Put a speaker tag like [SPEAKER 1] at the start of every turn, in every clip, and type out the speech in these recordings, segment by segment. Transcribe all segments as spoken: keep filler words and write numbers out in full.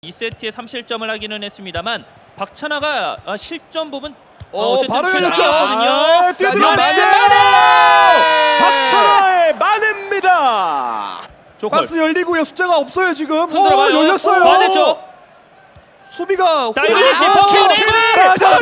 [SPEAKER 1] 이 세트에 삼 실점을 하기는 했습니다.만 박찬하가 실점 부분
[SPEAKER 2] 어,
[SPEAKER 1] 어쨌든
[SPEAKER 2] 바로
[SPEAKER 1] 출전했거든요.
[SPEAKER 2] 아, 뛰어들었어요. 박찬하의 만회입니다. 박스 열리고요. 숫자가 없어요 지금.
[SPEAKER 1] 흔들어가요.
[SPEAKER 2] 어, 열렸어요.
[SPEAKER 1] 반대쪽.
[SPEAKER 2] 수비가
[SPEAKER 1] 다이내시
[SPEAKER 2] 아,
[SPEAKER 1] 버키오
[SPEAKER 2] 킹
[SPEAKER 1] 네이버.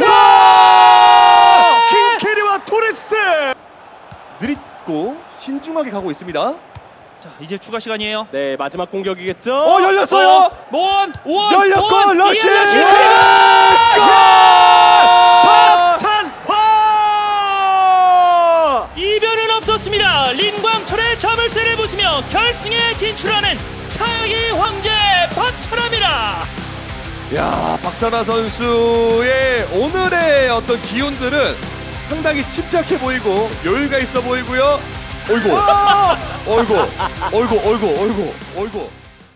[SPEAKER 2] 맞아. 킹캐리와 토레스 느릿고 신중하게 가고 있습니다.
[SPEAKER 1] 자, 이제 추가 시간이에요.
[SPEAKER 3] 네, 마지막 공격이겠죠.
[SPEAKER 2] 어, 열렸어요.
[SPEAKER 1] 모원, 오원,
[SPEAKER 2] 열렸고
[SPEAKER 1] 오원,
[SPEAKER 2] 러시.
[SPEAKER 1] 이현 러시.
[SPEAKER 2] 박찬화.
[SPEAKER 1] 이변은 없었습니다. 린광철의 자물쇠를 부수며 결승에 진출하는 차기 황제 박찬하입니다.
[SPEAKER 2] 야, 박찬하 선수의 오늘의 어떤 기운들은 상당히 침착해 보이고 여유가 있어 보이고요. 어이구, 어이구, 어이구, 어이구, 어이구, 어이구.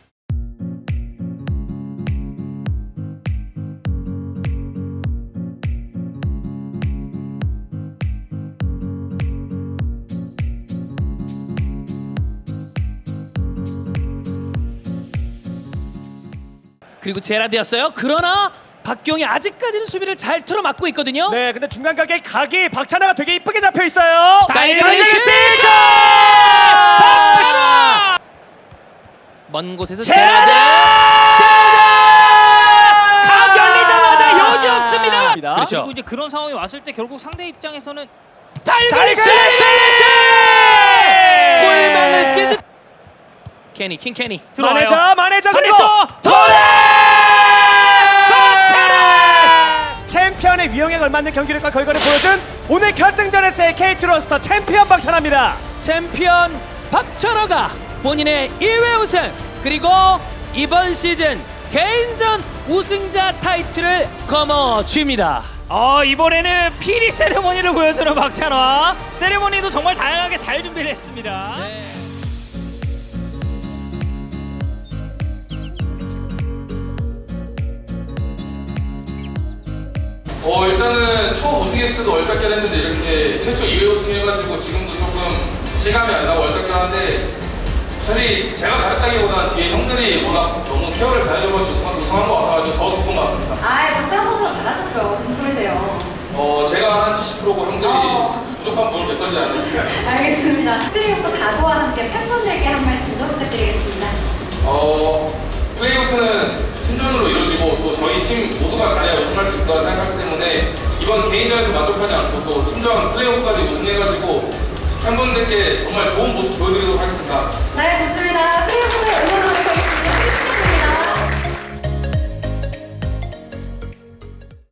[SPEAKER 4] 그리고 제라드였어요. 그러나 박경이 아직까지는 수비를 잘 틀어막고 있거든요.
[SPEAKER 3] 네, 근데 중간 각의 각이 박찬하가 되게 이쁘게 잡혀 있어요.
[SPEAKER 4] 다이내시 박찬하! 먼 곳에서
[SPEAKER 3] 제라드!
[SPEAKER 4] 제라드! 각 열리자마자 여지 없습니다.
[SPEAKER 1] 그렇죠.
[SPEAKER 5] 그리고 이제 그런 상황이 왔을 때 결국 상대 입장에서는
[SPEAKER 4] 달리시! 골망을 찢은 케니 킹 케니
[SPEAKER 1] 들어와요.
[SPEAKER 3] 마네자, 마네자 그리고
[SPEAKER 1] 반대쪽.
[SPEAKER 3] 토레! 박찬하! 챔피언의 위용에 걸맞는 경기력과 결과를 보여준 오늘 결승전에서의 케이티 로스터 챔피언 박찬하입니다.
[SPEAKER 4] 챔피언 박찬하가 본인의 일 회 우승 그리고 이번 시즌 개인전 우승자 타이틀을 거머쥡니다.
[SPEAKER 5] 어, 이번에는 피리 세레모니를 보여주는 박찬하. 세레모니도 정말 다양하게 잘 준비를 했습니다.
[SPEAKER 4] 네.
[SPEAKER 6] 어 일단은 처음 우승했을 때도 월드컵 했는데 이렇게 최초 이 회 우승해가지고 지금도 조금 실감이 안 나고 월드컵 하는데 사실 제가 잘했다기보다는 뒤에 형들이 워낙 너무 케어를 잘해줘가지고 우승한 것 같아가지고 더 기쁜 것 같습니다.
[SPEAKER 7] 아, 박찬하 선수가 잘하셨죠. 무슨 소리세요?
[SPEAKER 6] 어 제가 한 칠십 퍼센트고 형들이
[SPEAKER 7] 어.
[SPEAKER 6] 부족한 부분을 몇 가지 않으시면
[SPEAKER 7] 알겠습니다. 플레이오프 각오와 함께 팬분들께 한 말씀 더 부탁드리겠습니다.
[SPEAKER 6] 어 플레이오프는 팀전으로 이루어지고 또 저희 팀 모두가 잘해야 우승할 수 있을 거라 생각하기 때문에 이번 개인전에서 만족하지 않고 또 팀전 플레이오프까지 우승해가지고 팬분들께 정말 좋은 모습 보여드리도록 하겠습니다.
[SPEAKER 7] 네, 좋습니다. 플레이오프